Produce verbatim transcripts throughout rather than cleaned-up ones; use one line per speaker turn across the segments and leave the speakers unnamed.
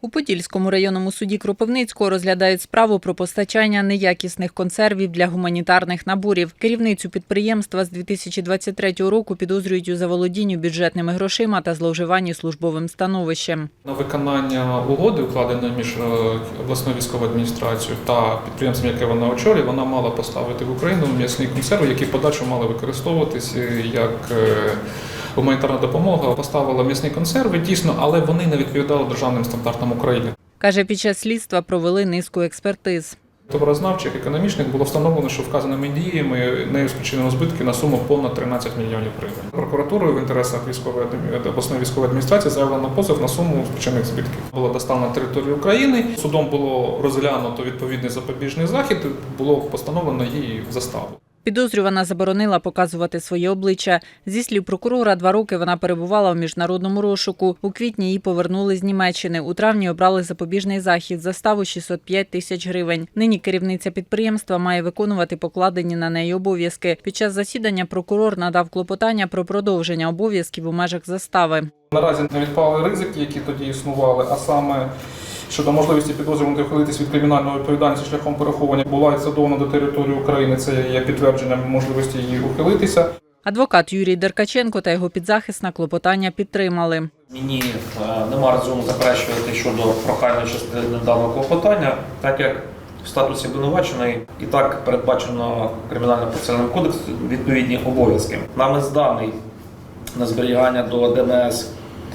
У Подільському районному суді Кропивницького розглядають справу про постачання неякісних консервів для гуманітарних наборів. Керівницю підприємства з дві тисячі двадцять третього року підозрюють у заволодінню бюджетними грошима та зловживанні службовим становищем.
На виконання угоди, укладеної між обласною військовою адміністрацією та підприємством, яке вона очолює, вона мала поставити в Україну м'ясні консерви, які в подальшому мали використовуватися як гуманітарна допомога. Поставила м'ясні консерви, дійсно, але вони не відповідали державним стандартам України.
Каже, під час слідства провели низку експертиз.
Товарознавчих, економічних було встановлено, що вказаними діями нею спричинено збитки на суму понад тринадцять мільйонів гривень. Прокуратурою в інтересах військової обласної військової адміністрації заявлено позов на суму спричинених збитків. Була доставлена на територію України, судом було розглянуто відповідний запобіжний захід, було постановлено її заставу.
Підозрювана заборонила показувати своє обличчя. Зі слів прокурора, два роки вона перебувала в міжнародному розшуку. У квітні її повернули з Німеччини. У травні обрали запобіжний захід, заставу шістсот п'ять тисяч гривень. Нині керівниця підприємства має виконувати покладені на неї обов'язки. Під час засідання прокурор надав клопотання про продовження обов'язків у межах застави.
Наразі не відпали ризики, які тоді існували, а саме щодо можливості підозрюваної ухилитись від кримінальної відповідальності шляхом переховування була задоволена до території України. Це є підтвердженням можливості її ухилитися.
Адвокат Юрій Деркаченко та його підзахисна клопотання підтримали.
Мені нема резону заперечувати щодо прохальної частини даного клопотання, так як в статусі обвинуваченої і так передбачено Кримінально-процесуальним кодексом відповідні обов'язки. Нами зданий на зберігання до ДНС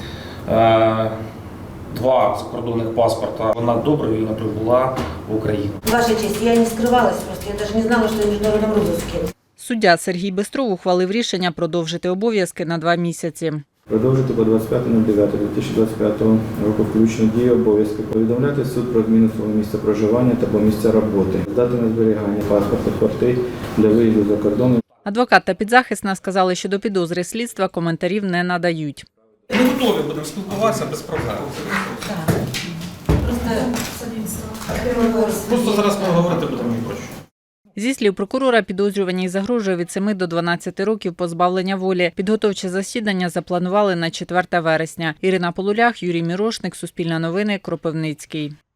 е, два закордонних паспорта. Вона добровільно прибула в Україну.
Ваша честь, я не скрывалась просто, я даже не знала, что я в международном розыске.
Суддя Сергій Бистров ухвалив рішення продовжити обов'язки на два місяці.
Продовжити по двадцять п'яте дев'яте дві тисячі двадцять п'ятого року включно дії обов'язки. Повідомляти суд про зміну свого місця проживання та місця роботи. Здати на зберігання паспорта квартир для виїзду за кордон.
Адвокат та підзахисна сказали, що до підозри слідства коментарів не надають.
Ми готові будемо спілкуватися без проблем. Просто зараз ми говорити будемо не хочу.
Зі слів прокурора, підозрюваній загрожує від семи до дванадцяти років позбавлення волі. Підготовче засідання запланували на четверте вересня. Ірина Полулях, Юрій Мірошник, Суспільне новини, Кропивницький.